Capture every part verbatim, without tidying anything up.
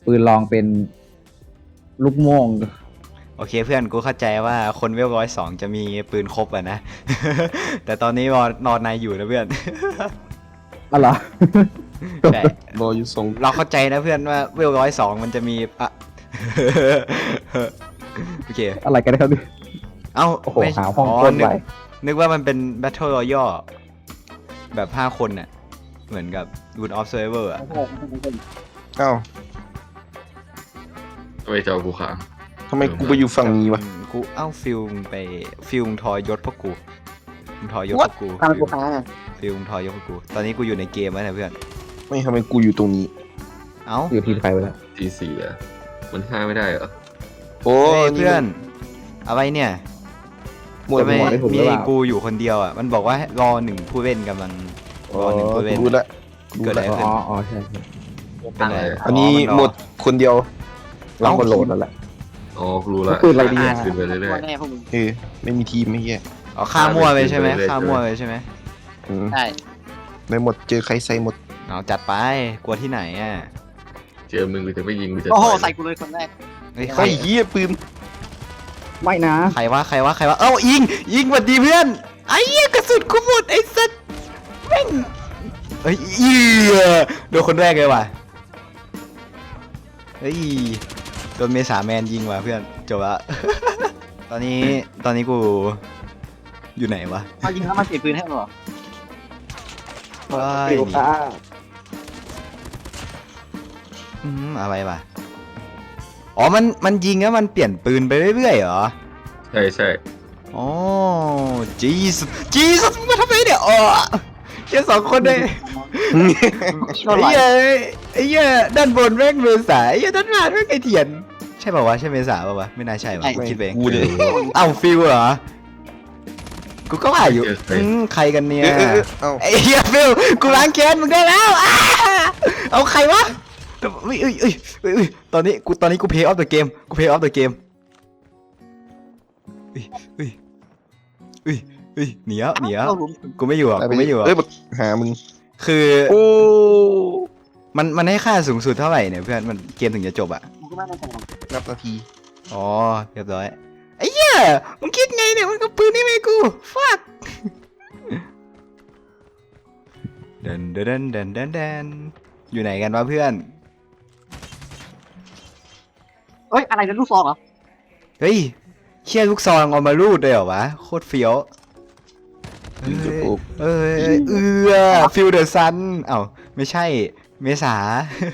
ปืนลองเป็นลูกโม่งโอเคเพื่อนกูเข้าใจว่าคนเวลร้อยสองจะมีปืนครบอะนะ แต่ตอนนี้นอนนอนในอยู่นะเพื่อนอ๋อเหรอใช่รออยู่ส่งเราเข้าใจนะเพื่อนว่าเวลร้อยสองมันจะมีอะ โอเคอะไรกันนะครับเนี่ยเอ้าโอ้โหไม่หาห้องอ๋อคนนึกไว้นึกว่ามันเป็น Battle Royale แบบห้าคนน่ะเหมือนกับ Good of Survivor อะอ้าวทำไมจอกูค้างทำไมกูไปอยู่ฝั่งนี้วะกูเอ้าฟิลมึงไปฟิลมึงทอยยศพวกกูมึงทอยยศพวกกูตามกูค้างอ่ะฟิลมึงทอยยศพวกกู ตอนนี้กูอยู่ในเกมแล้วนะเพื่อนไม่ทำไมกูอยู่ตรงนี้เอ้าอยู่ทีมใครไปแล้วทีสี่อ่ะมันห้าไม่ได้เหรอโอ้เฮ้ยเพื่อนอะไรเนี่ยหมวดทำไมหมวดได้ถูกหมีรือเปล่ากูอยู่คนเดียวอ่ะมันบอกว่ารอหนึ่งผู้เล่นกำลังรอหนึ่งผู้เล่นรู้ละเกิดอะไรขึ้นอ๋ออ๋อใช่ใช่เป็นไรอันนี้มัรหมดคนเดียวเราก็โหลดแล้วแหละอ๋อรู้ละปืนอะไรดีอะขึ้นไปเรื่อยตัวแน่พวกมึงเออไม่มีทีมไม่แย่อ๋อฆ่ามั่วไปใช่ไหมเรื่อยๆฆ่ามั่วไปใช่ไหมอืมใช่ในหมดเจอใครใส่หมดเอาจัดไปกลัวที่ไหนอ่ะๆเจอมึงกูจะไม่ยิงกูจะโอ้โหต่อยใส่กูเลยคนแรกเฮ้ยใครไอ้เหี้ยปืนไม่นะใครวะใครวะใครวะเอ้ายิงยิงหวัดดีเพื่อนไอ้เหี้ยกระสุนกูหมดไอ้สัสแม่งเฮ้ยเหี้ยโดนคนแรกเลยว่ะเฮ้ยโดนเมษาแมนยิงว่ะเพื่อนจบละ ตอนนี้ตอนนี้กูอยู่ไหนวะมายิงแล้วมาเก็บปืนให้หรอว้ายฟิวค่ะอืมอะไรวะอ๋อมันมันยิงแล้วมันเปลี่ยนปืนไปเรื่อยๆเหรอใช่ใช่อ๋อจีสจีสมึงมาทำไมเนี่ยอ๋อแค่สองคนเลยก็ไอ้ไหลเหี้ยไอ้เหี้ยด้านบนแม่งเมษาไอ้เหี้ยด้านล่างแม่งไอเถียนใช่ป่าวะใช่เมษาป่าวะไม่น่าใช่วะกูคิดไปเองกูเลยเอ้าฟิลเหรอกูก็ว่าอยู่เจอใครอืมใครกันเนี่ยเออเออเออเอ้าไอ้เหี้ยฟิลกูล้างแค้นมึงได้แล้วอ้าเอาใครวะเอ้ยเอ้ยเอ้ยเอ้ยเอ้ยตอนนี้กูตอนนี้กูเพย์ออฟเดอะเกมกูเพย์ออฟเดอะเกมเอ้ยเอ้ยเอ้ยเอ้ยหนีแล้วหนีแล้วกูไม่อยู่อ่ะกูไม่อยู่อ่ะเอ้ยบักหามึงคือโอ้มันมันให้ค่าสูงสุดเท่าไหร่เนี่ยเพื่อนมันเกมถึงจะจบอ่ะกูก็ไม่ได้ใส่หรอกนับนาทีอ๋อเรียบร้อยไอ้เหี้ยมึงคิดไงเนี่ยมันก็ปืนนี่ไม่กูฟักเดินเดินเดินเดินเดินอยู่ไหนกันวะเพื่อนเอ้ยอะไรเนี่ยลูกซองเหรอเฮ้ยเชี่ยลูกซองเอามารูดเลยเหรอวะโคตรเฟี้ยวเอ้ยจะปลูกเอ้ยเอือฟิลเดอร์ซันเอ้าไม่ใช่เมษา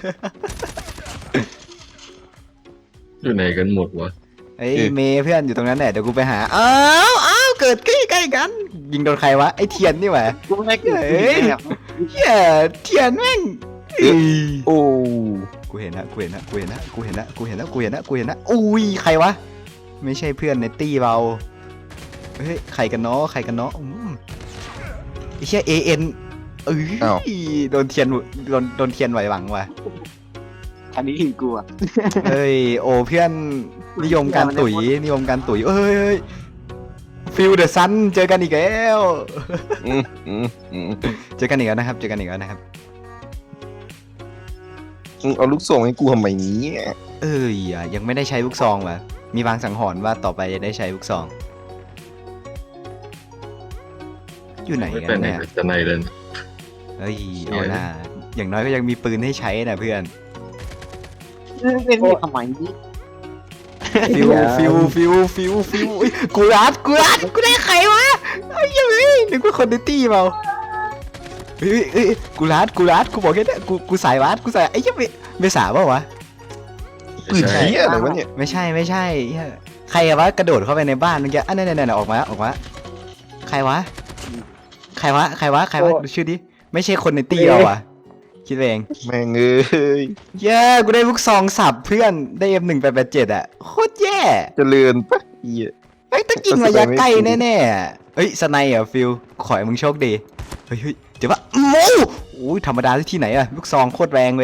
อยู่ไหนกันหมดวะเอ้ยเมย์เพื่อนอยู่ตรงนั้นแหละเดี๋ยวกูไปหาอ้าวอ้าวเกิดใกล้ใกล้ๆกัน ยิงโดนใครวะไอ้เทียนนี่หว่ากูไม่ได้เกิดเฮ้ยแบบเฮียเทียนแม่งเอ้ยโอ้กูเห็นนะกูเห็นนะกูเห็นนะกูเห็นนะกูเห็นนะกูเห็นนะกูเห็นนะอุ้ยใครวะไม่ใช่เพื่อนในตี้เราเฮ้ยใครกันเนาะใครกันเนาะอืมไอ้เชี่ยเอ็นเอ้ยโดนเทียนโดนโดนเทียนไหวหวังว่ะอันนี้หินกูอ่ะเฮ้ยโอ้เพื่อนนิยมการตุ๋ยนิยมการตุ๋ยเอ้ยฟิลเดอะซันเจอกันอีกแล้วอืมอืมอืมเจอกันอีกแล้วนะครับเจอกันอีกแล้วนะครับมึงเอาลูกส่งให้กูทำไมเนี้เอ้ยอ่ะยังไม่ได้ใช้ลูกซองว่ะมีบางสังหรณ์ว่าต่อไปจะได้ใช้ลูกซองอยู่ไหนไม่กัเป็นนไหนเนี่ยจะในเลยเฮ้ยเอาหน้าอย่างน้อยก็ยังมีปืนให้ใช้นะเพื่อนเป็นมีทำไมนี่ฟิวฟิวฟิวฟิวฟิวอุ๊ยกูรัดกูรัดกูได้ใครวะไอ้ยังไงนึกว่าคนในตี้เปล่าเฮ้ยเฮ้ยเฮ้ยกูรัดกูรัดกูบอกแค่นี้กูกูสายรัดกูสายไอ้ยังไม่ไม่สาเปล่าวะปืนเหี้ยอะไรวะเนี่ยไม่ใช่ไม่ใช่เหี้ยใครอะวะกระโดดเข้าไปในบ้านเมื่อกี้อันนั้นนั่นออกมาออกมาใครวะใครวะใครวะใครวะดูชื่อดิไม่ใช่คนในตี้เราอะคิดเองแม่งเอ้ยเย้กูได้ลูกซองสับเพื่อนได้เอ็มหนึ่งแปดแปดเจ็ดอะโคตรแย่เจริญปะเหี้ยไอ้ยต้องยิงระยะใกล้แน่ๆอะเฮ้ยสไนเหรอฟิลขอให้มึงโชคดีเฮ้ยเฮ้ยเดี๋ยวว่าโอ้โหธรรมดาที่ไหนอะลูกซองโคตรแรงเลย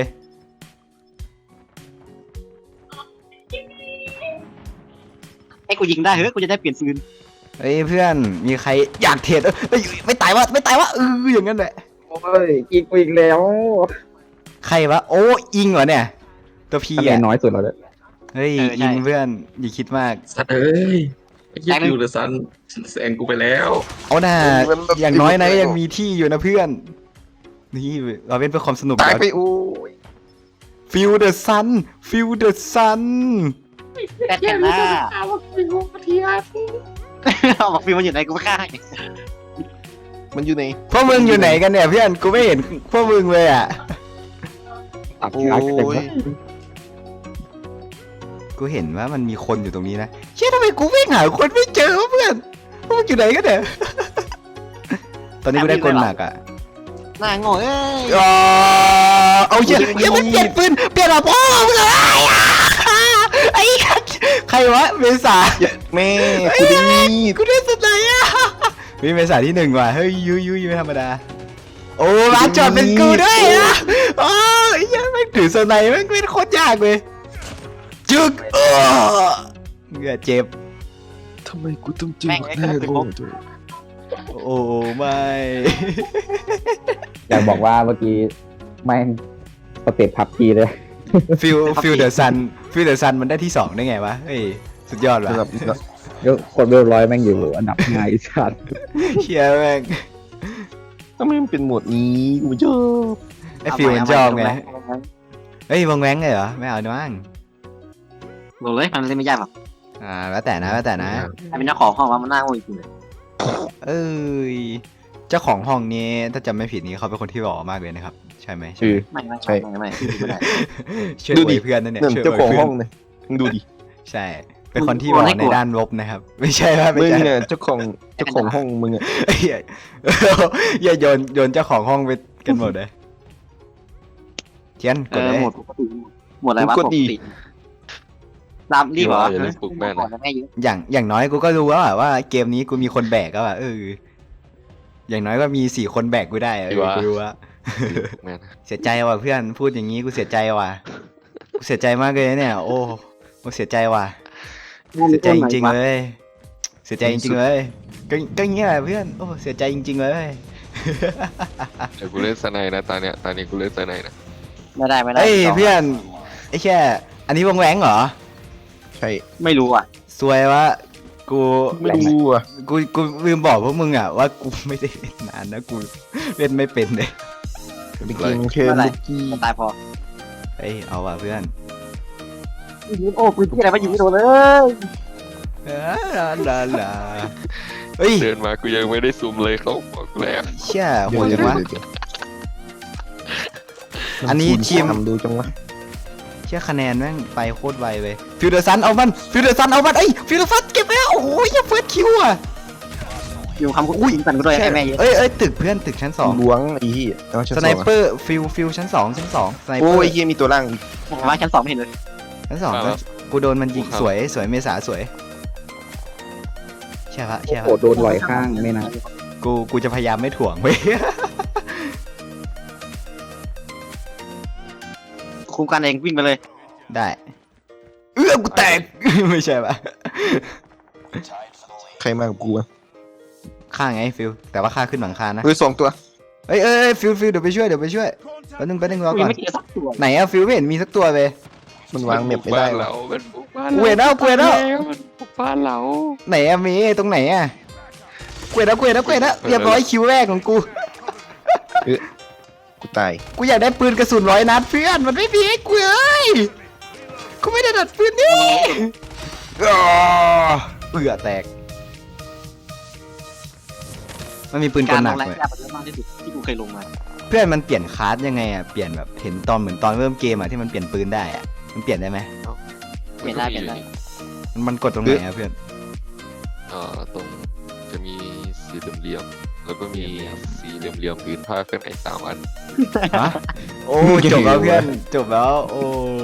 ให้กูยิงได้เฮ้ยกูจะได้เปลี่ยนปืนเฮ้ยเพื่อนมีใครอยากเทรดเอ้ยเอ้ยไม่ตายวะไม่ตายวะเอออย่างนั้นแหละโอ้ยกินกูอีกแล้วใครวะโอ้อิงเหรอเนี่ยตัวพีคะแนนอ่ะน้อยสุดแล้วเลยเฮ้ยยิงเพื่อนอย่าคิดมากสัตว์เอ้ยไอ้เหี้ยอยู่เดอะซันแซงกูไปแล้วเอาหน่าอย่างน้อยนะยังมีที่อยู่นะเพื่อนนี่เราเป็นเพื่อความสนุกตายไปโอ้ยฟิลเดอะซันฟิลเดอะซันแต่แต่หน้าเอาบอกฟิวมันอยู่ไหนกูไม่ฆ่ามันอยู่ในพวกมึงอยู่ไหนกันเนี่ยเพื่อนกูไม่เห็นพวกมึงเลยอ่ะตัดโอ้ขาเต็มยแล้วกูเห็นว่ามันมีคนอยู่ตรงนี้นะเชื่อทำไมกูวิ่งหาคนไม่เจอวะเพื่อนพวกมึงอยู่ไหนกันเนี่ยตอนนี้กูได้กลหนักอ่ะหน้าโง่เอ้ยอ๋อเอาเยอะเยอะมันเปลี่ยนปืนเปลี่ยนอะพ่อมึงเลยไอ้ใครวะเมษาแม่กูได้มีดกูได้สุดไหนอ่ะมีเมษาที่หนึ่งว่ะเฮ้ยยุยยุยไม่ธรรมดาโอ้ร้านจอดเป็นกูด้วยอ่ะโอ้ยยังไม่ถือสไนมันเป็นโคตรยากเลยจึกเออเหงื่อเจ็บทำไมกูต้องเจอแม่งไอ้กระสุนพกโอ้ไม่อยากบอกว่าเมื่อกี้แม่งสเต็ปพับทีเลยฟิลฟิลเดอะซันฟิลเดอะซันมันได้ที่สองได้ไงวะเฮ้ยสุดยอดว่ะสำหรับยกคนเรียบร้อยแม่งอยู่อันดับห้าอีสัตว์เชียแม่งทำไมมันเป็นโหมดนี้กูไม่ชอบไอ้ฟิลมันชอบไงเฮ้ยวงแว้งเลยเหรอไม่เอาด้วยมั้งลงเลยมันเล่นไม่ยากหรอกอ่าแล้วแต่นะแล้วแต่นะใครเป็นเจ้าของห้องว่ามันน่าโง่จริงเลยเอ้ยเจ้าของห้องนี้ถ้าจำไม่ผิดนี้เขาเป็นคนที่หล่อมากเลยนะครับใช่ไหมใช่คือไหมไม่ไม่ไม่ไม่ไม่ได้ช่วยดูอดิวยเพื่อนนั่นเนี่ยนั่นช่วยเจ้าของวยห้พื่องเลยมึงดูดิใช่ เป็นคนที่หล่อในด้านลบนะครับ ไม่ใช่ว่าไม่มึงใช่เนี่ยเจ้าของเจ้าของห้องมึงอ่ะเอ้ยอย่าโยนโยนเจ้าของห้องไปกันหมดเลยเทียนกเอดอเลยหมดปกติหมดอะไรวะปกติตามรีบเหรออย่าเล่นปลุกแม่นะแม่เยอะอย่างอย่างน้อยกูก็รู้แล้วอะว่าเกมนี้กูมีคนแบกแล้วอะเอออย่างน้อยก็มีสี่คนแบกกูได้อะเออกูรู้ว่าแม่นะเสียใจว่ะเพื่อนพูดอย่างนี้กูเสียใจว่ะกูเสียใจมากเลยเนี่ย โอ้กูเสียใจว่ะเสียใจจริงๆเลย เสียใจจริงๆเลยก็ก็อย่างเงี้ยแหละเพื่อนโอ้เสียใจจริงๆเลยเดี๋ยวกูเล่นสไนด์นะตอนเนี้ยตอนนี้กูเล่นสไนด์นะไม่ได้ไม่ได้เอ้ยเพื่อนไอ้แค่อันนี้วงแหวงเหรอใช่ไม่รู้อ่ะซวยวะกูไม่รู้อ่ะกูกูลืมบอกพวกมึงอ่ะว่ากูไม่ได้เล่นนานนะกูเล่นไม่เป็นเลยไปกินเค็มบุกกี้ตายพอเอ้ยเอาว่ะเพื่อนยิงโอ้ปืนที่อะไรมายิงไม่โดนเลยเออลาลาลาเฮ้ยเดินมากูยังไม่ได้ซูมเลยเขาบอกแล้วเชี่ยโหเดี๋ยวดจังวะเดี๋ยวเดี๋ยวอันนี้ทีมทำดูจังวะเชี่ยคะแนนแม่งไปโคตรไวเลยฟิวเดอร์ซันเอามันฟิวเดอร์ซันเอามันเอ้ยฟิวเดอร์ซันเก็บไปแล้วโอ้โหอย่าเฟิร์สคิวอ่ะอยู่คำกูยิงกันกูด้วยไอ้แม่เยอะเอ้ยเอ้ยตึกเพื่อนตึกชั้นสองล้วงไอ้ที่เอาชั้นสสไนองเปอร์ฟิวฟิวชั้นสองชั้นสองสไนเปโอ้อร์ยเฮียมีตัวล่างอีกผมว่าชั้นสองไม่เห็นเลยชั้นสองชั้นกูโดนมันยิงสวยสวยเมษาสวยใช่ปะใช่โอ้ปะโหโดนลอยข้างไม่นะกูกูจะพยายามไม่ถ่วงเว้ยคุมกันเองวิ่งไปเลยได้เอื้อกูแตก ไม่ใช่ปะใครมากับกูอ่ะข้างไงฟิวแต่ว่าข้าขึ้นหลังคานะเฮ้ยสองตัวเอ้ยเอ้ยเอ้ยฟิวฟิวเดี๋ยวไปช่วยเดี๋ยวไปช่วยแป๊บนึงแป๊บนึงรอกูก่ยัอง นไม่เจอสักตัวไหนอะฟิวไม่เห็นมีสักตัวเลยมันวางเม็บไม่ได้นวะเราเป็นปลุกบ้านกูเห็นแล้วกูเห็นแล้วมันปลุกบ้านเราไหนอะมีตรงไหนอะกูเห็นแล้วกูเห็นแล้วกูเห็นแล้วเรียบร้อยคิวแรกของกูกูตายกูอยากได้ปืนกระสุนร้อยนัดเพื่อนมันไม่มีให้กูเลยกูไม่ได้ดัดปืนนี่อ้าวเบื่อแตกมันมีปืนกกาลรหลนังกแรงเลยยากกว่าเยอะมากที่สุดที่กูเคยลงมาเพื่อนมันเปลี่ยนคลาสยังไงอะเปลี่ยนแบบเห็นตอนเหมือนตอนเริ่มเกมอะที่มันเปลี่ยนปืนได้อะมันเปลี่ยนได้ไหมเปลี่ยนได้เปลี่ยนได้มันมันกดตรงไหนอะเพื่อนเอ่อตรงจะมีสีเหลี่ยมๆแล้วก็มีสีเหลี่ยมๆพื้นผ้าเคลื่อนไหวสามอันฮะโอ้จบแล้วเพื่อนจบแล้วโอ้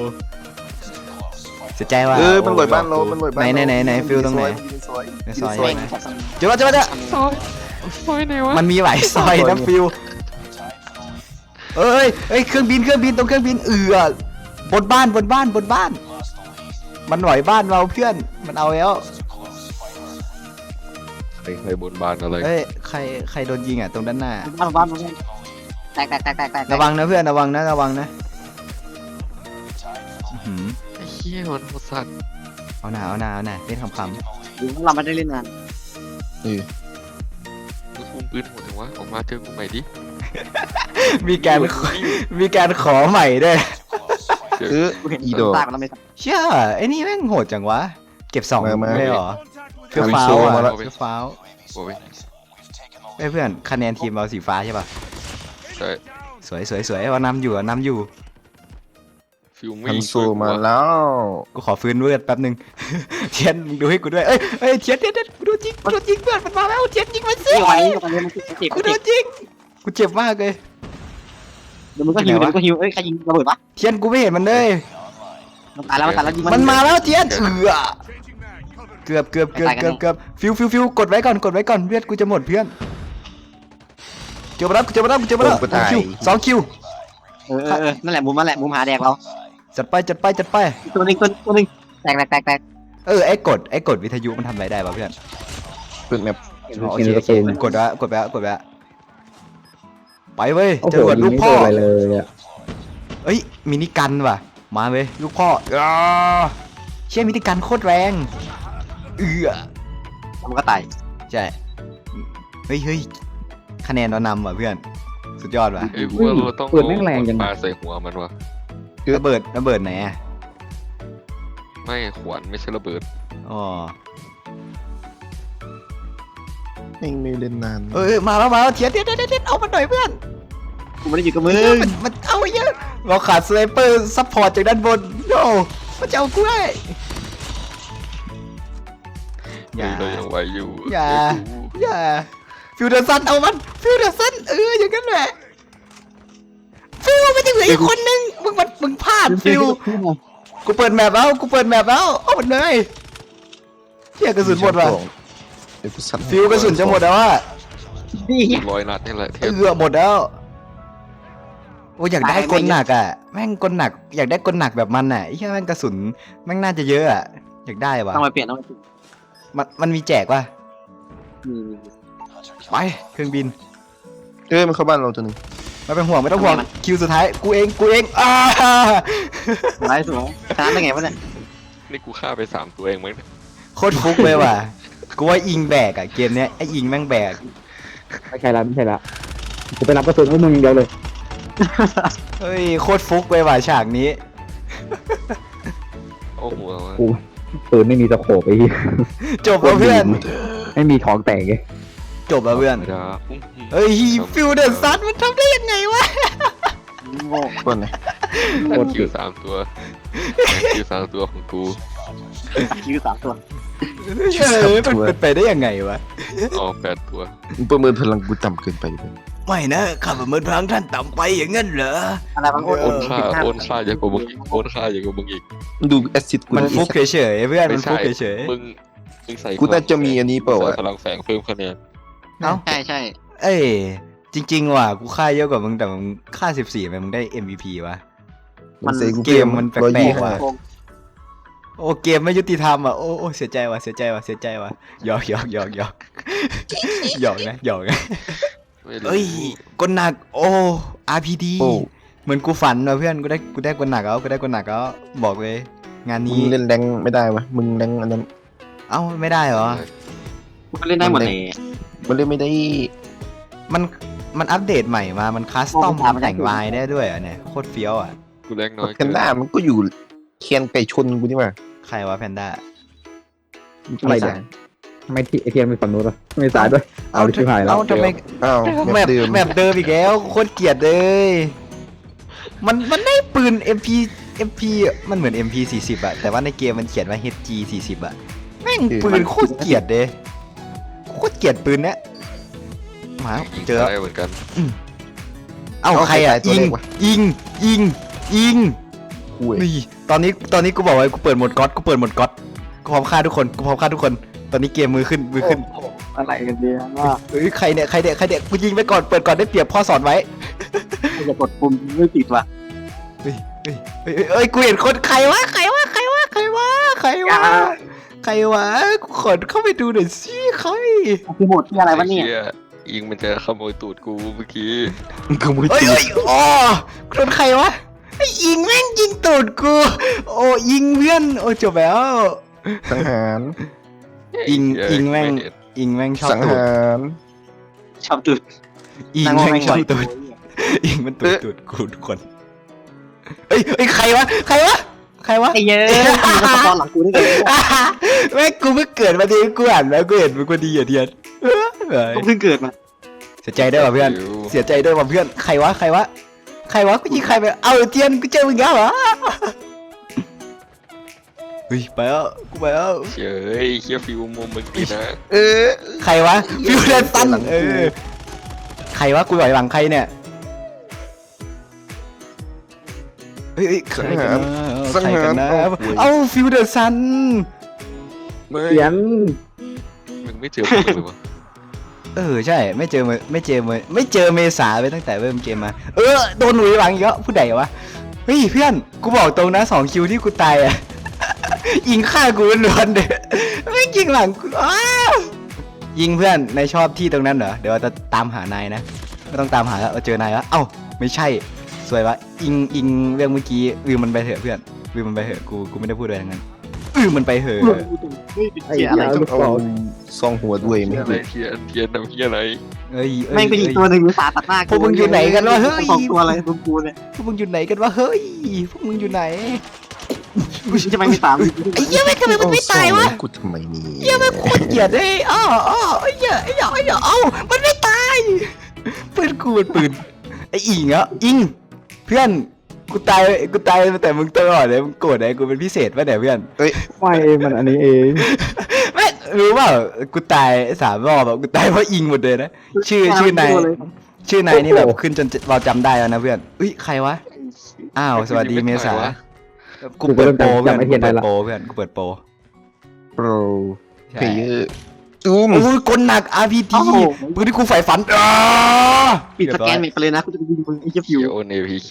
เสียใจว่ะเออมันลอยบ้านเรามันลอยบ้านไหนไหนไหนไหนฟิลตรงไหนซอยในซอยแม่งไหนเจอแล้วเจอแล้วเจอซอยซอยไหนวะมันมีหลายซอยนะฟิลเอ้ยเอ้ยเครื่องบินเครื่องบินตรงเครื่องบินเอือบนบ้านบนบ้านบนบ้าน มันหน่อยบ้านเราเพื่อนมันเอาแล้วใครใครบนบานอะไรเอ้ยใครใครโดนยิงอ่ะตรงด้านหน้าบ้านบ้านบ้านแตกแตกแตกแตกแตกระวังนะเพื่อนระวังนะระวังนะอื้อหืไอ้เหี้ยมันโหดสัตว์เอาหนาเอาหนาเอาหนาเล่นคำหรือว่าเราไม่ได้เล่นนานเออมึงคุมปืนโหดถึงวะออกมาเจอกูใหม่ดิๆมีการมีการขอใหม่ด้วยเจอเออกูเห็นอีดอกตากแล้วไม่ทเชื่อไอ้นี่แม่งโหดจังวะเก็บสองมามาเลยเหรอเพื่อทำฟ้าโชว์อ่ะมาแล้วเพื่อฟ้าโอ้ยไอ้ยเพื่อนคะแนนทีมเราสีฟ้าใช่ป่ะใช่สวยสวยสวยว่านำอยู่อะนำอยู่ฟิวไม่ฮันยิงโซช่วยกูมาวะแล้วกูขอฟื้นเลือดแป๊บหนึง เทียนมึงดูให้กูด้วยเอ้ยเอ้ยเทียนเทียนเทียนกูโดนยิงกูโดนยิงเพื่อนมันมาแล้วเทียนยิงมันำสินี่ไว้ตอนนี้มันเจ็บมันเจ็บกูโดนยิงกูเจ็บมากเลยเดี๋ยวมึงก็หิวเดี๋ยวมึงก็หิวเอ้ยใครยิงระเบิดวะเทียนกูไม่เห็นมันเลยมันตายแล้วมันตายแล้วยิงมันมาแล้วเทียนเอือเกือบเกือบเกือบเกือบเกือบฟิวฟิวฟิวกดไว้ก่อนกดไว้ก่อนเลือดกูจะหมดเพื่อนเจอมาแล้วกูเจอมาแล้วกูเจอมาแล้วโอ้กูตายคิวสองคิวเออเออเออนั่นแหละมุมนั่นแหละมุมหาแดกเราจัดไปจัดไปจัดไปตัวนึงตัวตัวนึงแตกแตกแตกแตกเออไอ้กดไอ้กดวิทยุมันทำอะไรได้ป่ะเพื่อนเปิดแมปอ๋อโอเคโอเคกดไว้กดไว้กดไว้ไปเว้ยโอ้เจโหอกับยิลูงกไม่พ่โดอนอะไรเลยอ่ะเอ้ยมินิกันว่ะมาเว้ยลูกพ่ออ้าเชี่ยมินิกันโคตรแรงเอือมันก็ตายใช่เฮ้ยเฮ้ยคะแนนเรานำว่ะเพื่อนสุดยอดว่ะเอ้ยกูว่าเราต้องเปิดแม่งแรงจังปาใส่หัวมันวะระเบิดระเบิดไหนอ่ะไม่ขวานไม่ใช่ระเบิดอ๋อเองไม่เล่นนานเออมาแล้วมาแล้วเทียนเทียนเทียนเทียนเอามันหน่อยเพื่อนกูไม่ได้อยู่กับมึงมันมันเอาเยอะเราขาดสไนเปอร์ซัพพอร์ตจากด้านบนโน่มันจะเอากูได้อย่าเฮ้ยเรายังไหวอยู่อย่าเอ้ยกูอย่าฟิวเดอร์ซันเอามันฟิวเดอร์ซันเอออย่างนั้นแหละฟิวมันจะเหลืออีกคนนึงมึงมันมึงพลาดฟิวกูเปิดแมปแล้วกูเปิดแมปแล้วเอามันเลยเที่ยกระสุนหมดว่ะเดี๋ยวกูสั่นฟิวกระสุนจะหมดแล้วว่านี่ไงร้อยนัดนี่แหละเทเอปอหมดแล้วโอ้ยอยากได้กลหนักอ่ะแม่งกลหนักอยากได้กลหนักแบบมันอ่ะไอ้แค่แม่งกระสุนแม่งน่าจะเยอะอ่ะอยากได้ว่ะต้องไปเปลี่ยนต้องไปเปลี่ยนมันมันมีแจกว่ะอืมไปเครื่องบินเอ้ยมันเข้าบ้านเราตัวหนึงไม่เป็นห่วงไม่ต้องห่วงคิวสุดท้ายกูเองกูเองอ้าสวยสวยชนะได้ไงวะเนี่ยนี่กูฆ่าไปสามตัวเองมั้งเนี่ยโคตรฟุกเลยว่ะกูว่าอิงแบกอ่ะเกมเนี้ยไออิงแม่งแบกไม่ใช่ละไม่ใช่ละจะไปรับกระสุนพวกมึงอย่างเดียวเลยเฮ้ยโคตรฟุกเลยว่ะฉากนี้โอ้โหกูปืนไม่มีสโคปไอ้เหี้ยจบแล้วเพื่อนไม่มีท้องแตกไงจบแล้วเพื่อนธรรมดาเฮ้ยฟิวเดอร์ซันมันทำได้ยังไงวะโง่คนไหนโคตรคิเก่วงสามตัวคิวสามตัวของกูคิวสามตัวเออมันเป็นไปได้ยังไงวะอ๋อแปดตัวมึงประเมินพลังกูต่ำเกินไปเลยไม่นะข้าประเมินพลังท่านต่ำไปอย่างนั้นเหรออะไรบางคนโอนค่าโอนค่าเยอะกว่ามึงอีกโอนค่าเยอะกว่ามึงอีกมึงดูแอสซิดกูมันดิฟุกเฉยๆเพื่อนมันฟุกเฉยมึงมึงใส่กูน่าจะมีอันนี้เปล่าวะใส่พลังแฝงเพิ่มคะแนนๆเอ้าใช่ใช่เอ้ยจริงๆว่ะกูฆ่าเยอะกว่ามึงแต่มึงฆ่าสิบสี่ทำไมมึงได้ เอ็ม วี พี วะมันเซกูเกมมันแปลกๆร้อยยี่สิบว่ะห้าโกงโอ้เกมไม่ยุติธรรมอ่ะโอ้โอ้เสียใจว่ะเสียใจว่ะเสียใจว่ะหยอกหยอกหยอกหยอกหยอกนะหยอกนะไม่รู้เอ้ยกดหนักโอ้ อาร์ พี ดีโอ้เหมือนกูฝันว่ะเพื่อนกูได้กูได้กดหนักแล้วกูได้กดหนักแล้วบอกเลย งานมึนี้งเล่นแรงไม่ได้วะมึงแรงอันนั้นเอ้าไม่ได้เหรอมันเล่นได้หมดเลยมันเล่นไม่ได้มันมันอัปเดตใหม่มา มันคัสตอมโอ้มันทำไม่ได้แต่งลายได้ด้วยอ่ะเนี่ยโคตรเฟี้ยวอ่ะกูแรงน้อยแพนด้ามันก็อยู่แคนไก่ชนกูนี่หว่าใครวะแพนด้าอะไรเนี่ยทำไมที่ไอเทียนไปฝั่งนู้นวะไม่สายด้วยเอาดิชิบหายแล้วเอ้าทำไมอ้าวแมแมปปเดิมแมปเดิมอีกแล้วโคตรเกลียดเลย มันมันได้ปืน เอ็ม พี เอ็ม พี มันเหมือน เอ็ม พี สี่สิบอะแต่ว่าในเกมมันเขียนว่า เอช จี สี่สิบอะแม่งปืนโคตรเกลียดเลยโคตรเกลียดปืนเนี้ยมายิงเจอได้เหมือนกันเอ้าใครอะยิงยิงยิงยิงคุยนี่ตอนนี้ตอนนี้กูบอกไว้กูเปิดโหมดก๊อตกูเปิดโหมดก๊อตกูพร้อมฆ่าทุกคนกูพร้อมฆ่าทุกคนตอนนี้เกมมือขึ้นมือขึ้นอะไรกันเนี่ยว่าเฮ้ยใครเนี่ยใครเนี่ยใครเนี่ยกูยิงไปก่อนเปิดก่อนได้เปรียบพ่อสอนไว้จะกดปุ่มไม่ติดว่ะเฮ้ยเฮ้ยเฮ้ยเฮ้ยกูเห็นคนใครวะใครวะใครวะใครวะใครวะใครวะกูขอเข้าไปดูหน่อยสิใครคือโหมดที่อะไรวะเนี่ยไอ้หี้ยิงมันจะขโมยตูดกูเมื่อกี้มึงขโมยเฮ้ยตีเฮ้ยอ๋อกูโดนใครวะไอ้อิงแม่งยิงตูดกูโอ้ยิงเพื่อนโอ้จบแล้วสังหารอิงเย้อิงแม่งไเห็นอิงแม่งชอบสังตูดหารชอบจุดอิงนั่งมองแม่งแม่งชอบบ่อยตูดอิงมันตูดตูดกูทุกคนเอ้ยเอ้ยใครวะใครวะใครวะไอ้เย้ยมึงมาตอนหลังกูได้ไงแม่งกูเพิ่งเกิดมาดีกูอ่านแล้วกูเห็นมันกูดีอ่ะเทียนเอ้ยกูเพิ่งเกิดมาเสียใจด้วยว่ะเพื่อนเสียใจด้วยว่ะเพื่อนใครวะใครวะใครวะกูยิงใครไปเอาเทียนกูเจอมึงแล้วเหรอเฮ้ยไปแล้วกูไปแล้วเฮ้ยเฮียฟิวมุมมึงดีนะเออใครวะฟิวเดนตันเออใครวะกูหลอยหลังใครเนี่ยเฮ้ยเฮ้ยใครกันนะใครกันนะเอ้าฟิวเดอร์ซันไม่เขียนมึงไม่เจอผมเลยวะเออใช่ไม่เจอเมไม่เจอเมไม่เจอเมษาไปตั้งแต่เริ่มเกมมาเออโดนหนุยหลังเยอะผู้ใดวะเฮ้ยเพื่อนกูบอกตรงนะสองคิวที่กูตายอ่ะ ยิงฆ่ากูล้วนๆเด้ไม่ยิงหลังกูอ้าวยิงเพื่อนนายชอบที่ตรงนั้นเหรอเดี๋ยวเราจะตามหานายนะไม่ต้องตามหาแล้วเราเจอนายแล้วเอ้าไม่ใช่สวยวะอิงอิงเรื่องเมื่อกี้ลืมมันไปเถอะเพื่อนลืมมันไปเถอะกูกูไม่ได้พูดอะไรทั้งนั้นลืมมันไปเถอะไอ้เหี้ยอะไรต้องเอาซองหัวด้วยไม่เฮียอะไรได้เทียนเทียนทำเฮียอะไรเอ้ยเอ้ยแม่งเป็นอีกตัวหนึ่งสาตัดหน้าพวกมึงอยู่ไหนกันวะเฮ้ยสองตัวอะไรพวกกูเนี่ยพวกมึงอยู่ไหนกันวะเฮ้ยพวกมึงอยู่ไหนกูจะไม่มีสามไอ้เหี้ยไม่ทำไมมึงไม่ตายวะกูทำไมนี่เหี้ยไม่โคตรเกลียดเลยอ้ออ้อไอ้เหี้ยไอ้เหี้ยไอ้เหี้ยเอ้ามันไม่ตายปืนกูมันปืนไอ้อิงอ่ะอิงเพื่อนกูตายกูตายแต่มึงตลอดเลยมึงโกรธไอ้กูเป็นพิเศษป่ะเนี่ยเพื่อนไม่มันอันนี้เองไม่รู้เปล่ากูตายสามรอบแบบกูตายเพราะอิงหมดเลยนะชื่อชื่อนายชื่อนายนี่แบบขึ้นจนเราจำได้แล้วนะเพื่อนอุ้ยใครวะอ้าวสวัสดีเมษากูเปิดโปรเพื่อนกูเปิดโปรเพื่อนกูเปิดโปรโปรเพลเยอร์ซูมโอ้ยกลหนัก อาร์ พี จี ปืนที่กูใฝ่ฝันอ้าปิดสแกนไปเลยนะกูจะไปยิงมึงไอ้เหี้ยฟิเฮีวยโอเนพีเค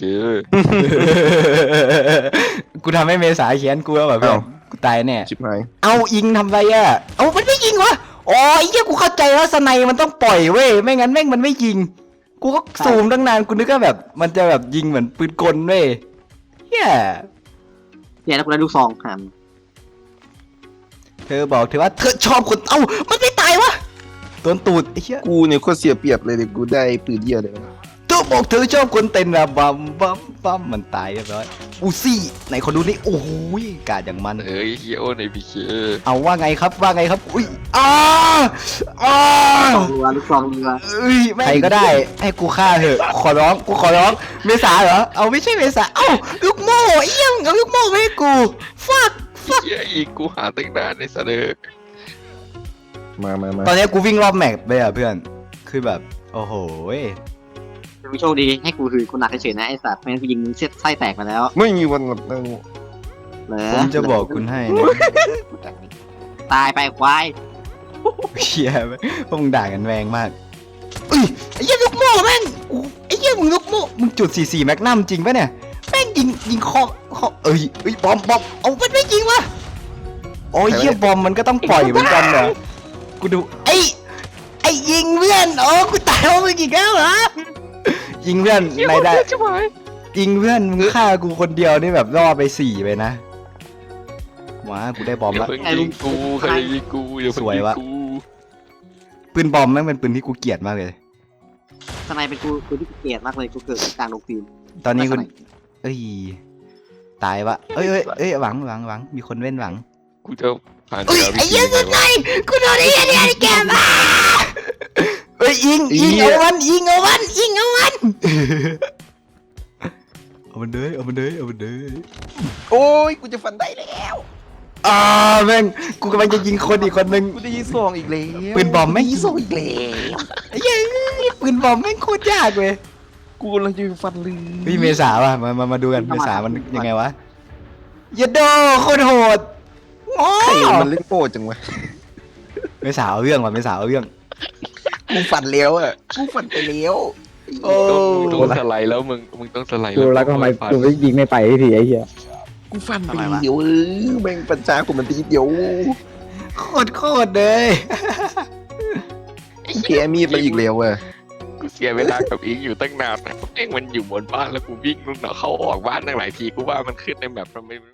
กูทำให้เมษาเขียนกูแล้วแบบเพื่อนกูตายแน่ชิบหายเอาอิงทำไรอ่ะ เอามันไม่ยิงวะอ๋อไอ้เหี้ยกูเข้าใจแล้วสไนมันต้องปล่อยเว้ย ไม่งั้นแม่งมันไม่ยิง กูก็ซูมตั้งนานกูนึกว่าแบบ มันจะแบบยิงเหมือนปืนกลเว้ยเฮียเนี่ยแล้วกูได้ลูกซองหันเธอบอกเธอว่าเธอชอบคน เอ้ามันไม่ตายวะโดนตูดไอ้เหี้ยกูเนี่ยโคตรเสียเปรียบเลยเดี๋ยวกูได้ปืนเดียวเลยนะเธอบอกเธอชอบคนเต้นระบำบัมบัมมันตายเรียบร้อยอูซี่ไหนขอดูนี่โอ้โหกาดอย่างมันเฮ้ยเฮียโอเนพีเคเอาว่าไงครับว่าไงครับอุ้ยอ้าอ้าเรือลูกซองเรือเอ้ยใครก็ได้ให้กูฆ่าเถอะขอร้องกูขอร้องเมษาเหรอเอาไม่ใช่เมษาเอ้าลูกโม่เอี้ยงเอาลูกโม่ไม่ให้กูฟักเฮียอีกกูหาตั้งนานในสะเดอมามามาตอนนี้กูวิ่งรอบแมปไปอ่ะเพื่อนคือแบบโอ้โหมึงโชคดีให้กูคือกูหนักเฉยๆนะไอ้สัตว์ไม่งั้นกูยิงมึงเส้นไส้แตกมาแล้วไม่มีวันหมดเลยเหรอผมจะบอกคุณให้นะตายไปควายเชียพวกมึงด่ากันแรงมากเอ้ยไอ้เหี้ยลูกโม่แม่งกูไอ้เหี้ยมึงลูกโม่มึงจุดสี่สี่แมกนัมจริงปะเนี่ยแม่งยิงยิงคอคอเอ้ยเอ้ยบอมบอมเอามันไม่ยิงวะโอ้ยเหี้ยบอมมันก็ต้องปล่อยเหมือนกันเหรอกูดูไอ้ไอ้ยิงเพื่อนโอ้กูตายเพราะมึงอีกแล้วเหรอยิงเพื่อนนายได้ยิงเพื่อนมึงฆ่ากูคนเดียวนี่แบบล่อไปสี่ไปนะว้ากูได้บอมอย่าละเพิ่งยิงกูใครยิงกูอย่าเพิ่งสวยยิงวะกูปืนบอมแม่งเป็นปืนที่กูเกลียดมากเลยทนายเป็นกูกูที่กูเกลียดมากเลยกูเกิดกลางโรงฟิล์มตอนนี้คุณเอ้ยตายวะเอ้ยเอ้ยเอ้ยหวังหวังหวังมีคนเว้นหวังกูจะผ่านเอ้ยเรือไอ้เหี้ยสุดใจกูโดนไอ้เหี้ยเนี่ยแกมาเอ้ยยิงยิงเอามันยิงเอามันยิงเอามันเอามันเลยเอามันเลยเอามันเลยโอ้ยกูจะฟันได้แล้วอ่าแม่งกูกำลังจะยิงคนอีกคนนึงกูจะยิงซองอีกแล้วปืนบอมไม่ยิงซองอีกแล้วไอ้เหี้ยปืนบอมแม่งโคตรยากเลยกูกำลังจะฟันเลยพี่เมษาว่ะมามามาดูกันเมษามันยังไงวะยาโดโคตรโหดโอ้ใครมันเล่นโป้จังวะเมษาเอาเรื่องว่ะเมษาเอาเรื่องกูฟันแล้วอ่ะกูฟันไปแล้วโอ้มึงต้องสไลด์แล้วมึงมึงต้องสไลด์กูแล้วก็ทำไมผ่านกูไม่ยิงไม่ไปทีไอ้เหี้ยกูฟันไปเดียวเออแม่งปัญชากูมันตีเดียวโคตรโคตรเลยกูแกมีดมาอีกแล้วอ่ะกูเสียเวลากับอิงอยู่ตั้งนานนะกับม่งมันอยู่บนบ้านแล้วกูวิ่งนู่นน่ะเข้าออกบ้านตั้งหลายทีกูว่ามันขึ้นในแบบทำไม